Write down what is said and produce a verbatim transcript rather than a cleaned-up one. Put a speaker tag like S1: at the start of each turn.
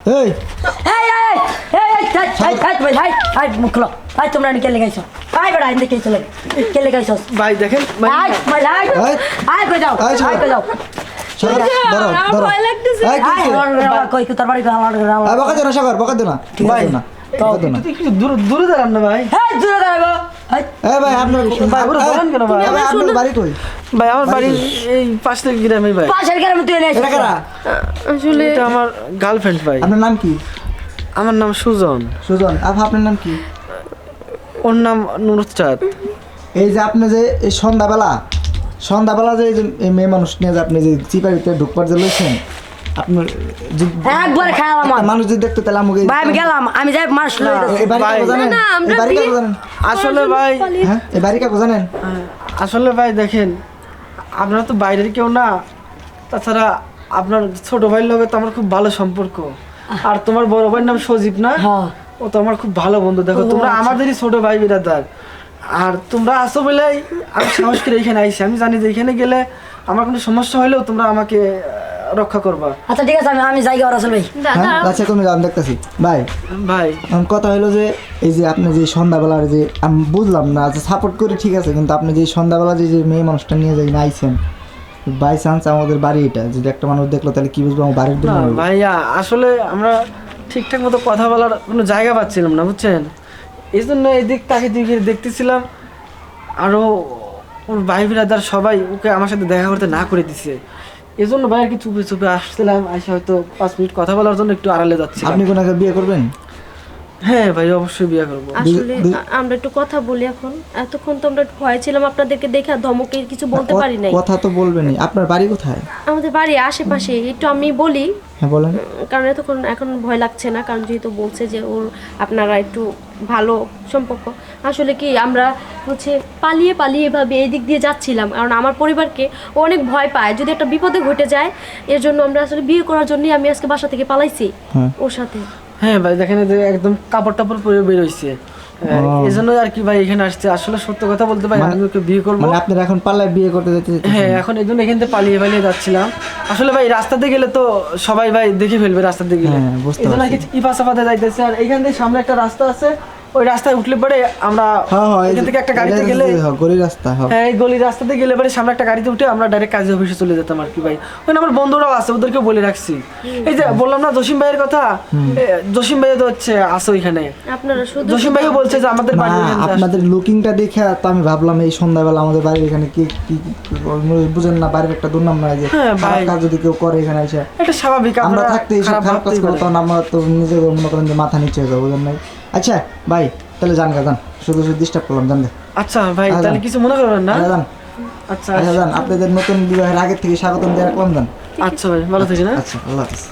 S1: এই
S2: এই এই এই এই থাই থাই থাই ভাই থাই থাই মুখলো থাই তোমরা নি কে লাগাইছো আই বড় আইন্দে কে চলে কে লাগাইছো
S3: ভাই দেখেন
S2: আই ভাই আই
S1: এই।
S2: আই কই যাও
S1: এই,
S2: আই কই যাও
S1: সাগর ধরো ধরো
S4: ভয় লাগতেছে।
S1: এই কি
S2: আই
S1: হইছে?
S2: কই কই তোর বাড়ি গাওয়া
S1: এই বকা দে না সাগর বকা দে না
S3: ভাই
S1: বকা দে না বকা দে না
S3: তুই একটু দূরে দূরে দাঁড়ান না ভাই
S2: এই দূরে দাঁড়াবো এই
S1: এই ভাই আপনার
S3: ভাই, ওরা বলেন কেন ভাই?
S1: এই ভাই আপনার বাড়ি কই
S3: ভাই আমার বাড়ি এই পাশ থেকে গ্রামে ভাই
S2: পাশের গ্রামে তুই এনে
S1: এটা কারা
S4: আসলে
S3: এটা আমার গার্লফ্রেন্ড ভাই
S1: আপনার নাম কি
S3: আমার নাম সুজন
S1: সুজন আপা আপনার নাম কি
S3: ওর নাম নুরচাঁদ
S1: এই যে আপনি যে এই সন্ধ্যাবেলা সন্ধ্যাবেলা যে এই যে এই মেয়ে মানুষ নিয়ে যে আপনি যে চিপারিতে ঢুকবার যে লইছেন আপনার যে-
S2: একবার খাওয়া আমার
S1: একটা মানুষ যদি দেখতো তাহলে আমাকে
S2: ভাই আমি গেলাম আমি যাই মাস লই
S1: এই বাড়ি
S3: ভাই।
S1: কাকু জানেন
S4: না, আমরা
S1: এই বাড়ি কাকু
S4: বিয়ে-
S1: জানেন
S3: আসলে ভাই
S1: হ্যাঁ এই বাড়ি কাকু জানেন
S3: আসলে ভাই দেখেন আপনারা তো বাইরের কেউ না তাছাড়া আপনার ছোট ভাইয়ের লগে তো আমার খুব ভালো সম্পর্ক আর তোমার বড় ভাইয়ের নাম সজীব না
S2: হ্যাঁ
S3: ও তো আমার খুব ভালো বন্ধু দেখো তোমরা আমাদেরই ছোট ভাই বিরাদার আর তোমরা আসো বলেই আমি সাহস করে এখানে আইছি আমি জানি যে এখানে গেলে আমার কোনো সমস্যা হলেও তোমরা আমাকে আহ, রক্ষা করবা
S2: আচ্ছা ঠিক আছে আমি আমি যাই গা রাসেল ভাই
S4: দাদা
S1: হ্যাঁ আচ্ছা তুমি আমি দেখতেছি ভাই
S3: ভাই
S1: এখন কথা হলো যে এই যে আপনি যে সন্ধ্যাবেলার যে আমি বুঝলাম না যে সাপোর্ট করে ঠিক আছে কিন্তু আপনি যে সন্ধ্যাবেলা যে যে মেয়ে মানুষটা নিয়ে যাই না আইছেন বাই চান্স আমাদের বাড়ি এটা যদি একটা মানুষ দেখলো তাহলে কি বুঝবো আমার বাড়ির
S3: না
S1: জন্য
S3: ভাইয়া আসলে আমরা ঠিকঠাক মতো কথা বলার কোনো জায়গা পাচ্ছিলাম না বুঝছেন এই জন্য এদিক তাকে দিকে দেখতেছিলাম আরও ওর ভাই বিরাদার সবাই ওকে আমার সাথে দেখা করতে না করে দিছে এই জন্য ভাই আর কি চুপে চুপে আসছিলাম আসে হয়তো পাঁচ মিনিট কথা বলার জন্য একটু আড়ালে যাচ্ছি
S1: আপনি কোনাকে বিয়ে করবেন
S3: হ্যাঁ ভাই অবশ্যই বিয়ে করবো
S4: আসলে
S1: দু-
S4: আ- আমরা একটু কথা বলি এখন এতক্ষণ তো আমরা ভয় ছিলাম আপনাদেরকে দেখে আর ধমকে কিছু বলতে পারি নাই
S1: কথা তো বলবেনই আপনার বাড়ি কোথায়
S4: আমাদের বাড়ি আশেপাশে একটু আমি বলি
S1: হ্যাঁ বলেন
S4: কারণ এতক্ষণ এখন ভয় লাগছে না কারণ যেহেতু বলছে যে ওর আপনারা একটু ভালো সম্পর্ক আসলে কি আমরা হচ্ছে পালিয়ে পালিয়ে এভাবে এই দিক দিয়ে যাচ্ছিলাম কারণ আমার পরিবারকে ও অনেক ভয় পায় যদি একটা বিপদে ঘটে যায় এর জন্য আমরা আসলে বিয়ে করার জন্যই আমি আজকে বাসা থেকে পালাইছি
S1: হ্যাঁ
S4: ওর সাথে
S3: হ্যাঁ ভাই দেখেন এই যে একদম কাপড় টাপড় পরে বের হইছে এই জন্য আর কি ভাই এখানে আসছে আসলে সত্য কথা বলতে ভাই আমি ওকে বিয়ে করবো
S1: মানে আপনারা এখন পাল্লায় বিয়ে করতে যেতে
S3: হ্যাঁ এখন এই জন্য এখান থেকে পালিয়ে পালিয়ে যাচ্ছিলাম আসলে ভাই রাস্তাতে গেলে তো সবাই ভাই দেখে ফেলবে রাস্তাতে গেলে
S1: হ্যাঁ, বুঝতে
S3: এই জন্য আর কি ইপাসাপাতে যাইতেছে আর এইখান থেকে সামনে একটা রাস্তা আছে ওই রাস্তায় উঠলে পরে আমরা
S1: হ্যাঁ হ্যাঁ এই
S3: এখান থেকে একটা গাড়িতে গেলে
S1: গলি রাস্তা হ্যাঁ
S3: হ্যাঁ এই গলির রাস্তাতে গেলে পরে সামনে একটা গাড়িতে উঠে আমরা ডাইরেক্ট কাজী অফিসে চলে যেতাম আর কি ভাই ওখানে আমার বন্ধুরাও আছে ওদেরকে বলে রাখছি এই যে বললাম না জসিম ভাইয়ের কথা এ, জসিম ভাই তো হচ্ছে আসো এখানে
S4: আপনারা শুধু
S3: জসিম ভাইও বলছে যে আমাদের
S1: না
S3: বাড়ি ওখানে আসো।
S1: আপনাদের লুকিংটা দেখে তো আমি ভাবলাম এই সন্ধ্যাবেলা আমাদের বাড়ির এখানে কি কি কি- বুঝেন না বাড়ির একটা দুর্নাম নয় যে
S3: হ্যাঁ, ভাই।
S1: খারাপ কাজ যদি কেউ করে এখানে এসে
S3: এটা স্বাভাবিক
S1: আমরা
S3: আমরা
S1: থাকতে এইসব
S3: খারাপ
S1: খারাপ কাজ
S3: ভাবতেই পারি।
S1: করতাম আমরা তো নিজের মনে করেন যে মাথা নিচে হয়ে যাবো বুঝেন নাই আচ্ছা ভাই তাহলে যান গা যান শুধু শুধু ডিস্টার্ব করলাম জান গে
S3: আচ্ছা ভাই
S1: আচ্ছা।
S3: তাহলে কিছু মনে করবেন না
S1: আচ্ছা, যান
S3: আচ্ছা
S1: আচ্ছা যান আপনাদের নতুন বিবাহের আগের থেকে স্বাগতম দিয়ে রাখলাম যান
S3: আচ্ছা ভাই ভালো থেকে না
S1: আচ্ছা আল্লাহ হাফিজ